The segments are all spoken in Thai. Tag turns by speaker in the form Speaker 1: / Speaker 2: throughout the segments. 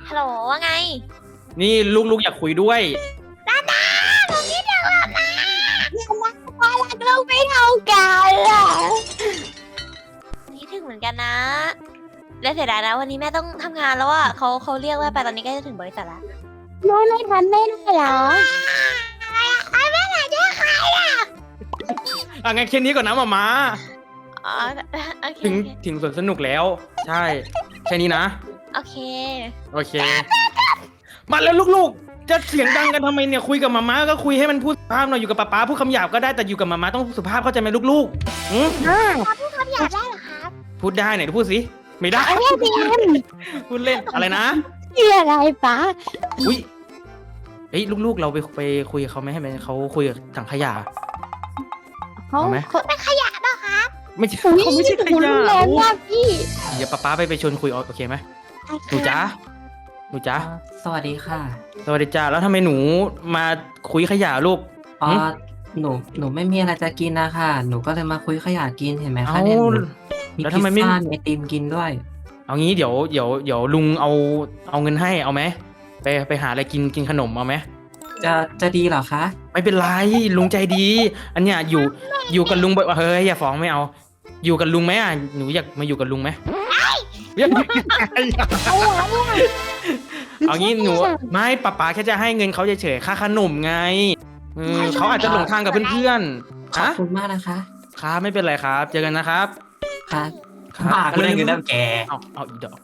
Speaker 1: ฮัลโหลว่าไง
Speaker 2: นี่ลูกอยากคุยด้วย
Speaker 1: ผมคิดถึงแบบนะว่ารักลูกไม่เท่ากันอ่ะคิดถึงเหมือนกันนะและเสียดายนะวันนี้แม่ต้องทำงานแล้วอ่ะเขาเรียกว่าไปตอนนี้ใกล้จะถึงบริษัทแล้วไม่ทันไม่ได้เหรอไอ้แม่ไหนจะใครอ่ะ
Speaker 2: งั้นแค่นี้ก่อนนะมา
Speaker 1: อ๋อโอเค
Speaker 2: ถึงสวนสนุกแล้วใช่แค่นี้นะ
Speaker 1: โอเค
Speaker 2: มาแล้วลูกๆจะเสียงดังกันทำไมเนี่ยคุยกับมาก็คุยให้มันพูดสุภาพหน่อยอยู่กับป๊าพูดคำหยาบก็ได้แต่อยู่กับมาต้องสุภาพเข้าใจไหมลูกๆ
Speaker 1: พูดคำหยาบได้เหรอครับ
Speaker 2: พูดได้ไหนพูดสิไม่ได้พูดเล่นอะไรนะ
Speaker 1: อะไรป๊า
Speaker 2: อุ้ยเฮ้ยลูกๆเราไปคุยกับเขาไหมให้เขาคุยกับถังขยะ
Speaker 1: เขาเป็นขยะเหรอครับ
Speaker 2: ไม่ใช่เขาไม่ใช่ขยะ
Speaker 1: แรงมากพี่
Speaker 2: เดี๋ยวป๊าไปชวนคุยโอเคไหมหนูจ๊ะ
Speaker 3: สวัสดีค่ะ
Speaker 2: สวัสดีจ้าแล้วทำไมหนูมาคุยขยะลูก
Speaker 3: หนูไม่มีอะไรจะกินนะคะหนูก็เลยมาคุยขยะกินเห็นไหมคะเนี่ยมีพิซซ่ามีไอติมกินด้วย
Speaker 2: เอางี้เดี๋ยวลุงเอาเงินให้เอาไหมไปหาอะไรกินขนมเอาไหม
Speaker 3: จะดีเหรอคะ
Speaker 2: ไม่เป็นไรลุงใจดีอันเนี้ยอยู่กับลุงเฮ้ยอย่าฟ้องไม่เอาอยู่กับลุงไหมอ่ะหนูอยากมาอยู่กับลุงไหมเอางี้หนูไม่ป๊าแค่จะให้เงินเขาเฉยๆค่าขนมไงเขาอาจจะหลงทางกับเพื่อน
Speaker 3: ๆขอบคุณมากนะคะ
Speaker 2: ครับไม่เป็นไรครับเจอกันนะครับ
Speaker 3: ครับปากเรื่องเงินน้ำแก
Speaker 2: เอาอีกดอก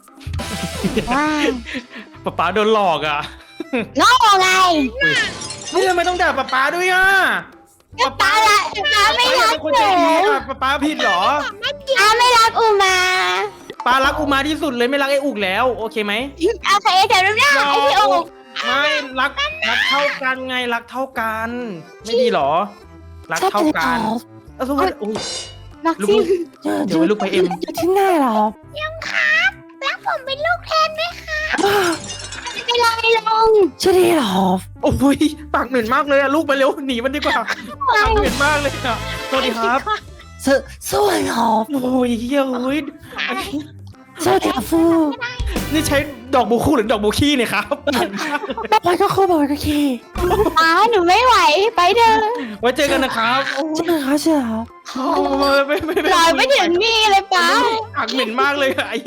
Speaker 2: ป๊าโดนหลอกอ่ะ
Speaker 1: น้องไง
Speaker 2: นี่ทำไมต้องด่าป๊าด้วยอ่ะ
Speaker 1: ป๊าไม่รัก
Speaker 2: คนใจดีอ่ะป๊าผิดเหรอ
Speaker 1: ไม่รักอุมา
Speaker 2: ป๊ารักอุมาที่สุดเลยไม่รักไอ้อุกแล้วโอเคไหม
Speaker 1: โอเคแต่รู้ได้ไอ้พี่อุก
Speaker 2: ไม่รักเท่ากันไงรักเท่ากันไม่ดีหรอรักเท่ากันสมมติ
Speaker 1: รักที่
Speaker 2: เดี๋ยวลูกไปเอ็ม
Speaker 1: ที่ไหนหรอยังครับรักผมเป็นลูกแทนไหมคะไม่ไรลงช่วยหรอ
Speaker 2: โอ้ยปากเหม็นมากเลยอะลูกไปเร็วหนีมันดีกว่าปากเหม็นมากเลยอะสวัสดีครับ
Speaker 1: สวัสดีครับ
Speaker 2: โอ้ยเฮ้ย
Speaker 1: สวัสดีครับฟู
Speaker 2: นี่ใช้ดอกบูคู่หรือดอกบูขี้เนี่ยครับ
Speaker 1: ไปก็คู่บอกก็ขี้หนูไม่ไหวไปเถอะ
Speaker 2: ไว้เจอกันนะครับ
Speaker 1: เจอครับ
Speaker 2: ไม่
Speaker 1: ลอยไม่ถึงนี่เลยป้า
Speaker 2: ปากเหม็นมากเลยไอ้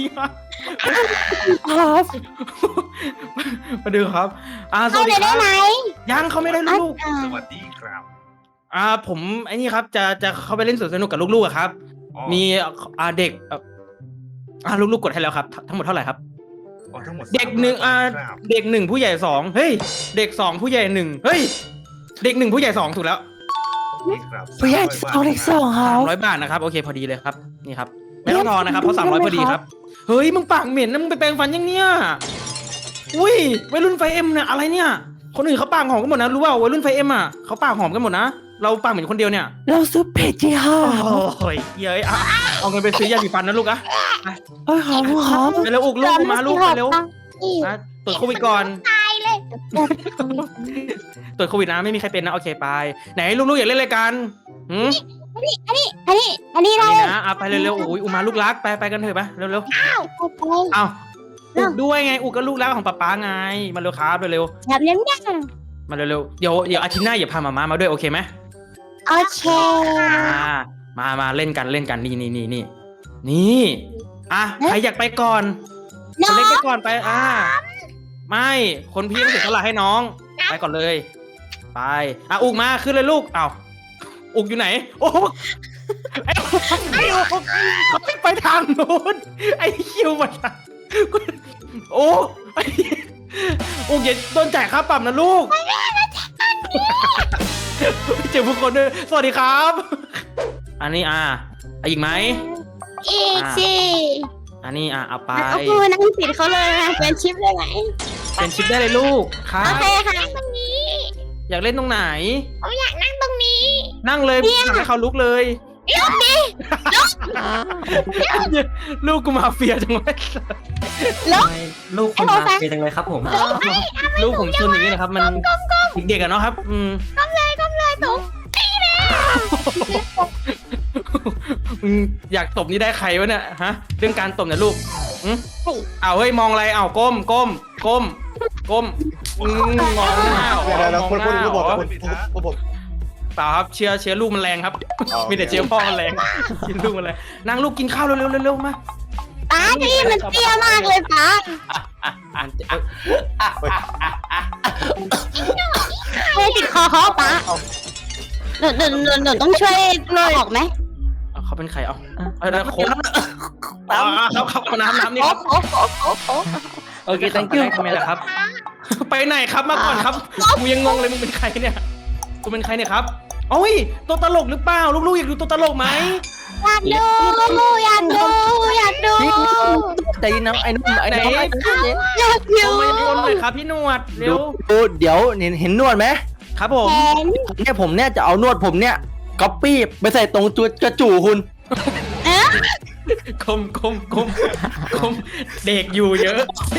Speaker 1: ครับ
Speaker 2: มาดูครับ
Speaker 1: สวัสดีครับ
Speaker 2: ยังเขาไม่ได้ลูก
Speaker 4: สวัสดีครับ
Speaker 2: ผมไอ้นี่ครับจะเข้าไปเล่นสวนสนุกกับลูกๆครับมีเด็กลูกๆกดให้แล้วครับทั้งหมดเท่าไหร่ครับเด็กหนึ่งเด็กหนึ่งผู้ใหญ่สองเฮ้ยเด็กสองผู้ใหญ่หนึ่งเฮ้ยเด็กหนึ่งผู้ใหญ่สองถูกแล้ว
Speaker 1: ผู้ใหญ่เอาเด็กสองครับ
Speaker 2: 300 บาทนะครับโอเคพอดีเลยครับนี่ครับไม่ต้องทอนนะครับเพราะ300พอดีครับเฮ้ยมึงปากเหม็นนะมึงไปแปรงฟันยังเนี่ยอุ้ยวัยรุ่นไฟเอ็มเนี่ยอะไรเนี่ยคนอื่นเขาปากหอมกันหมดนะรู้ว่าวัยรุ่นไฟเอ็มอ่ะเขาปากหอมกันหมดนะเราปากเหม็นคนเดียวเนี่ย
Speaker 1: เราซื้อเพจที่ห้า
Speaker 2: โอ้ยเย้ยเอาเงินไปซื้อยาสีฟันนะลูกอะ
Speaker 1: ครับ
Speaker 2: ไปเร็วอุกลูกมาลูกไปเร็วตรวจโควิดก่อน
Speaker 1: ตายเลย
Speaker 2: ตรวจโควิดนะไม่มีใครเป็นนะโอเคไปไหนลูกๆอยากเล่นอะไรกัน
Speaker 1: อันนี้
Speaker 2: ได้นะไปเร็วๆอุ้ยอุมาลูกรักไปกันเถอะไปเร็วๆอ้าวอุกด้วยไงอุกก็ลูกรักของป๊าไงมาเร็วครับเร็ว
Speaker 1: แบบนี้
Speaker 2: มาเร็วๆเดี๋ยวอาทิตย์หน้าอย่าพามาด้วยโอเคไหม
Speaker 1: โอเค
Speaker 2: มาเล่นกันนี่ใครอยากไปก่อนคนเล็กไปก่อนไปไม่คนพี่ต้องเสียสละให้น้องไปก่อนเลยไปอุกมาขึ้นเลยลูกอุกอยู่ไหนโอ้ไอ้อุกเขาไปทางโน้นไอ้คิวมาโอ้อุกอย่าโดนจ่ายค่าปรับนะลูกเจอผู้คนด้วยสวัสดีครับอันนี้อีกไหม
Speaker 1: อีกสิ
Speaker 2: อันนี้เอาไป
Speaker 1: เอาพูนั่งปิดเขาเลยเป็นชิปได้ไหม
Speaker 2: เป็นชิปได้เลยลูกครับ
Speaker 1: โอเคค่ะนั่งตรงนี้
Speaker 2: อยากเล่นตรงไหน
Speaker 1: ผมอยากนั่งตรงนี้
Speaker 2: นั่งเลยให้เขาลุกเลย
Speaker 1: ลุกดิ
Speaker 2: ลูกกูมาเฟียจังเลย
Speaker 3: ลูกคุณมาเฟียจังเลยครับผม
Speaker 2: ลูกผมชนอย่างนี้นะครับมันเด็กๆเนาะครับ
Speaker 1: ก้มเลยตุ๋มตีเลย
Speaker 2: อยากตบนี่ได้ใครวะเนี่ยฮะเรื่องการตบเนี่ยลูกเฮ้ยมองอะไรก้มก้มมองหน้าเหรอ
Speaker 4: เดี๋ยว
Speaker 2: มอง
Speaker 4: คุณ
Speaker 2: หน้าเหรอ
Speaker 4: ผม
Speaker 2: เปล่าครับเชื้อลูกมันแรงครับ มีแต่เชื้อพ่อมันแรงกินลูกมันแรงนั่งลูกกินข้าวเร็วมา
Speaker 1: ป้านี่มันเตี้ยมากเลยป้าเฮ้ยติดคอเขาป้าหนูต้องช่วยออกไหม
Speaker 2: เขาเป็นใครเอาโค้งครับน้ำนี่ครับ
Speaker 3: โอเค thank you
Speaker 2: ทำไมล่ะครับ ไปไหนครับมาก่อนครับกูยังงงเลยมึงเป็นใครเนี่ยกูเป็นใครเนี่ยครับโอ้ยตัวตลกหรือเปล่าลูกๆอยากดูตัวตลกไหม
Speaker 1: อยากดู
Speaker 5: ใจเย็นนะไอ้นุ่มไอ้
Speaker 2: ไหน
Speaker 5: นุ่ม
Speaker 1: อยากดู
Speaker 2: ลงมาบนเลยครับพี่หนวดเร็ว
Speaker 5: ดูเดี๋ยวเห็นนวดไหม
Speaker 2: ครับผม
Speaker 5: เนี่ยผมเนี่ยจะเอานวดผมเนี่ยก๊อปปี้ไปใส่ตรงจุดกระจู่คุณ
Speaker 2: คมเด็กอยู่เยอะ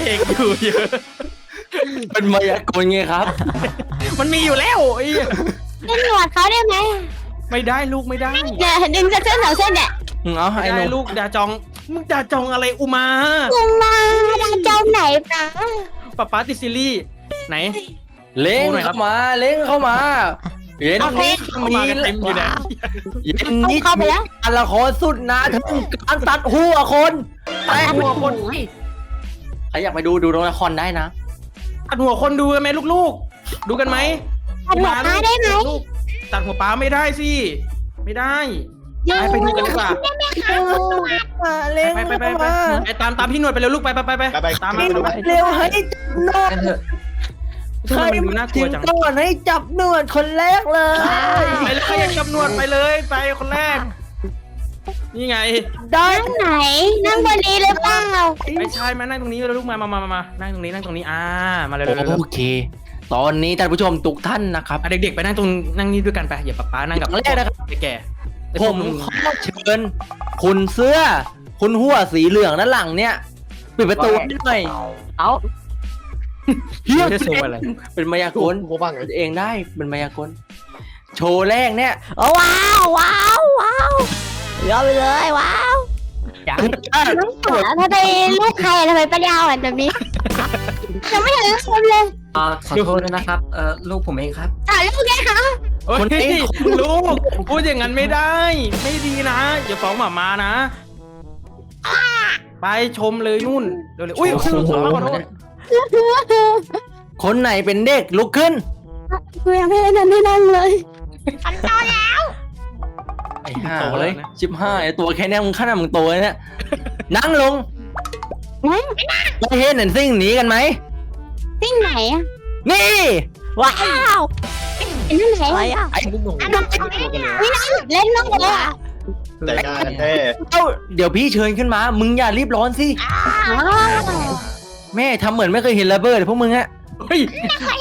Speaker 5: เป็นมายากลไงครับ
Speaker 2: มันมีอยู่แล้วไอ้
Speaker 1: เล่นหนวดเขาได้ไหม
Speaker 2: ไม่ได้ลูกไม่ได้
Speaker 1: เนี่ยดึงเส้น2 เส้นเนี่ย
Speaker 5: เอา
Speaker 2: ไม่
Speaker 5: ไอ้
Speaker 2: ได้
Speaker 5: นุ่ม
Speaker 2: ลูกดาจองมึงดาจองอะไรอุมา
Speaker 1: มึงมาดาเจ้าไหนป้า
Speaker 2: ป๊าติดซีรีส์ไหน
Speaker 5: เล้งเข้ามาเล้งเข้ามาเย็นนี้
Speaker 2: มากันเต็มอยู่นะ
Speaker 5: เย็นนี้
Speaker 1: เข้าไปแล้ว
Speaker 5: การละครสุดนะถึงการตัดหัวคนแต่หัวคนใครอยากไปดูละครได้นะ
Speaker 2: ตัดหัวคนดูกันไหมลูกๆ ดูกันไหม
Speaker 1: ตัดหัวป้าได้ไหม
Speaker 2: ลูกตัดหัวป้าไม่ได้สิไม่ได้ไปดูกันดีกว่า
Speaker 5: เล้ง
Speaker 2: ไปตามพี่หนวดไปเร็วลูกไปตามมาดู
Speaker 5: เร็วให้นวด
Speaker 3: กันเถอะ
Speaker 2: ทำไมมันดูน่ากลัวจัง
Speaker 5: ก่อนให้จับนวดคนแรกเลย
Speaker 2: ไปเลยใครอยากจับหนวดไปเลยไปคนแรก นี่ไง
Speaker 5: ได้
Speaker 1: นั่งไหน นั่งบนนี้หรือเปล่า
Speaker 2: ไม่ใช่มานั่งตรงนี้เลยลูกมานั่งตรงนี้มาเลย
Speaker 5: โอเค ตอนนี้ท่านผู้ชมทุกท่านนะครับ
Speaker 2: เด็กๆไปนั่งนี่ด้วยกันไปอย่าป๊านั่งกับ
Speaker 5: อย่างแรกนะครับ
Speaker 2: แก่
Speaker 5: ผมขอเชิญคุณเสื้อ คุณหัวสีเหลืองด้านหลังเนี่ยปิดประตูให้หน่อย
Speaker 3: เอา
Speaker 5: เฮีย
Speaker 2: ไม่ได้โชว์อะไร
Speaker 5: เป็นมายากล
Speaker 4: ผมบ้างไง
Speaker 5: เองได้เป็นมายากลโชว์แรกเนี่ย
Speaker 1: ว้าวยอมไปเลยว้าว
Speaker 3: อย่าง
Speaker 1: แล้วทำไมลูกใครทำไมปัญญาอ่อนแบบนี้ยังไม่เห็นคนเลย
Speaker 3: ขอโทษด้วยนะครับลูกผมเองครับ
Speaker 1: ถ่ายรูปไงคะ
Speaker 2: ลูกพูดอย่างนั้นไม่ได้ ไม่ดีนะอย่าฟ้องหมานะ ไปชมเลยนู่นเร็วๆอุ้ยขอโทษ
Speaker 5: คนไหนเป็นเด็กลุกขึ้น
Speaker 1: กูยังไม่ได้นั่งเลยฉันโตแล้ว
Speaker 5: ไอ้ห่าเลยชิบห้าไอ้ตัวแค่เนี้ยมึงขนาดมึงโตเลยเนี่ยนั่งลงไม่เห็นเห็นสิ่งหนีกันไหม
Speaker 1: ที่ไหนอ่ะ
Speaker 5: นี่
Speaker 1: ว้าวเป็นที่ไหน
Speaker 5: ไอ้หนู
Speaker 1: นี่นะเล่นน้องเลยอ่ะ
Speaker 4: ใจงานแท้
Speaker 5: เดี๋ยวพี่เชิญขึ้นมา มึงอย่ารีบร้อนสิแม่ทำเหมือนไม่เคยเห็นระเบิดเลยพวกมึงอะ
Speaker 2: เฮ้ย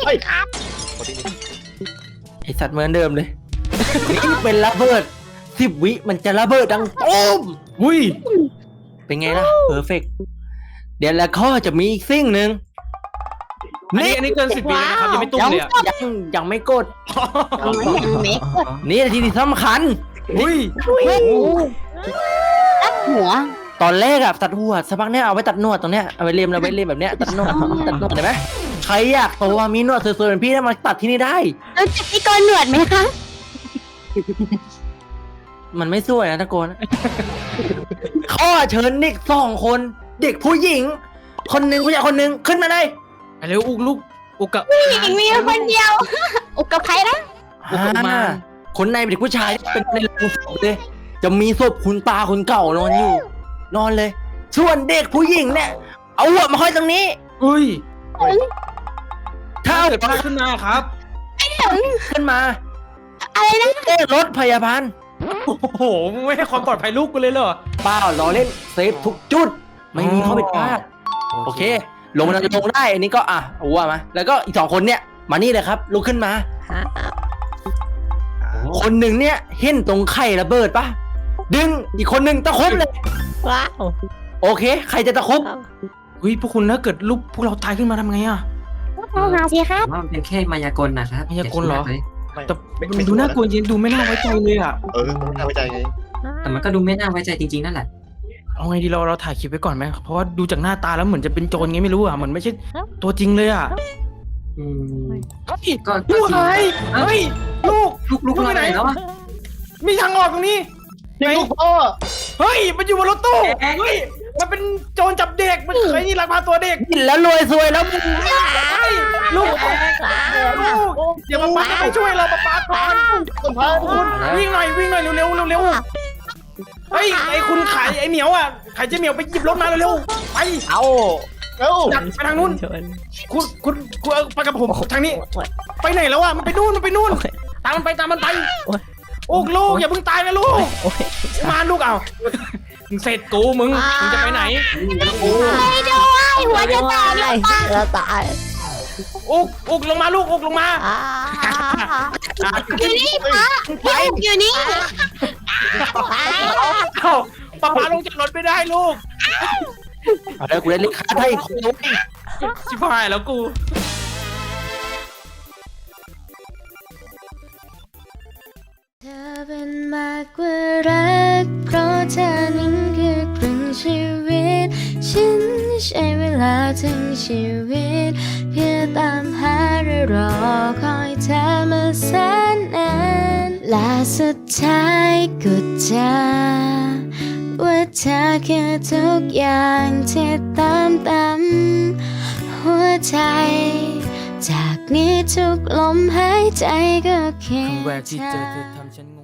Speaker 5: ไอสัตว์เหมือนเดิมเลยนี่เป็นระเบิด10 วิมันจะระเบิดดังตุ้ม
Speaker 2: อุ้ย
Speaker 5: เป็นไงล่ะเพอร์เฟกเดี๋ยวแล้วก็จะมีอีกสิ่งหนึ่ง
Speaker 2: อันนี้เกิน10 ปีแล้วนะครับยังไม่ตุ้มเลยอ่ะ
Speaker 5: ยังไม่กด
Speaker 1: ยังไม่กด
Speaker 5: นี่นาทีที่สำคัญ
Speaker 2: อุ้ย
Speaker 1: ตัดหัว
Speaker 5: ตอนแรกอะตัดหัวสักพักเนี่ยเอาไว้ตัดหนวดตรงเนี้ยเอาไว้เลียมแบบเนี้ยตัดหนวดเห็นไหมใครอยากตัวมีหนวดสวยๆเหมือนพี่นะมาตัดที่นี่ได้
Speaker 1: รู้จักพี่กรหนวดไหมคะ
Speaker 5: มันไม่สวยนะตะโกน ข้อเชิญเด็ก2 คนเด็กผู้หญิง คนหนึ่งผู้ชายคนหนึ่งขึ้นมาเลย
Speaker 2: ไปเร็วอุกลูกอุกกับ
Speaker 1: ผู้หญิงมีคนเดียว อุกกับใครนะ
Speaker 5: คนในเป็นเด็กผู้ชายเป็นในโรงศพเลย จะมีศพคุณตาคนเก่านอนอยู่ นอนเลย ส่วนเด็กผู้หญิงเนี่ย เอาหัวมาห้อยตรงนี้
Speaker 2: อุ้ย
Speaker 5: ถ้าเอา
Speaker 2: เกิดอะไรขึ้นมาครับ
Speaker 5: ขึ้นมา
Speaker 1: อะไรนะ
Speaker 5: เรียกรถพยาบาล
Speaker 2: โอ้โหมึงไม่ให้ความปลอดภัยลูกกูเลยเหรอ
Speaker 5: เปล่าล้อเล่นเซฟทุกจุด ไม่มีข้อผิดพลาด โอเค ลงมาลงได้ อันนี้ก็เอาหัวมา แล้วก็อีก2 คนเนี่ย มานี่เลยครับ ลุกขึ้นมา คนหนึ่งเนี่ยเห็นตรงไข่ระเบิดปะดึงอีกคนหนึ่งตะครุบเลย
Speaker 1: ว้าว
Speaker 5: โอเค ใครจะตะครุบ
Speaker 2: อุ้ยพวกคุณถ้าเกิดลูกพวกเราตายขึ้นมาทำไงอ่ะ
Speaker 1: หาสิครับ
Speaker 3: ว่ามันเป็นแค่มายากลนะครับ
Speaker 2: มายากลเหรอ
Speaker 3: ย่าคิดมกลย
Speaker 2: แต่มันดูน่ากลัวจริงดูไม่น่าไว้ใจเลยอ่ะ
Speaker 4: ไม่น่าไว้ใจไง
Speaker 3: แต่มันก็ดูไม่น่าไว้ใจจริงๆนั่นแหละ
Speaker 2: เอาไงดีเราถ่ายคลิปไว้ก่อนไหมเพราะว่าดูจากหน้าตาแล้วเหมือนจะเป็นโจรไงไม่รู้อ่ะเหมือนไม่ใช่ตัวจริงเลยอ่ะ
Speaker 3: อืม
Speaker 2: ก็
Speaker 3: ก็
Speaker 2: ลูก
Speaker 3: จริง
Speaker 2: หายเฮ้ยลูก
Speaker 3: ลูกไปไหนแล้วอะ
Speaker 2: มีทางออกตรงนี้
Speaker 4: นี่ลูกพ่อ
Speaker 2: เฮ้ยมันอยู่บนรถตู้เฮ้ยมันเป็นโจรจับเด็กมันเคยนี่ลักพาตัวเด็ก
Speaker 5: กินแล้วรวยซวยแล้วมึง
Speaker 2: เฮ้ยลูกอย่ามาป้าไปช่วยเราป้าก่อน
Speaker 4: คุณพ่อ
Speaker 2: คุณวิ่งหน่อยเร็วเฮ้ยไอ้คุณขายไอ้เหมียวอ่ะขายเจ๊เหมียวไปหยิบรถมาเร็วไป
Speaker 5: เอา
Speaker 4: เอ้า
Speaker 2: ดักไปทางนู้นคุณไปกับผมทางนี้ ไปไหนแล้วอ่ะมันไปนู่นตามมันไปโอ้ลูกอย่าเพิ่งตายนะลูกมาลูกเอามึงเสร็จกูมึงจะไปไหน
Speaker 1: ไปด้วยหัวจะแตกเลยป้า
Speaker 6: เราตาย
Speaker 2: อุกลงมาลูกอุกลงมา
Speaker 1: อยู่นี่ป้าอยู่นี่
Speaker 2: เอ้าป้าลงจากรถไม่ได้ลูก
Speaker 5: เอาได้กูได้ลิขาไทยคนนู้น
Speaker 2: ชิบหายแล้วกู
Speaker 7: เธอเป็นมากกว่ารักเพราะเธอนั้นคือครึ่งชีวิตฉันใช้เวลาทั้งชีวิตเพื่อตามหาและรอคอยเธอมาแสนนานและสุดท้ายก็เจอว่าเธอคือทุกอย่างที่ตามหัวใจจากนี้ทุกลมหายใจก็เคียง
Speaker 2: ครั้งแรกที่
Speaker 7: เธ
Speaker 2: เจอ
Speaker 7: อ
Speaker 2: เธอทำฉันงง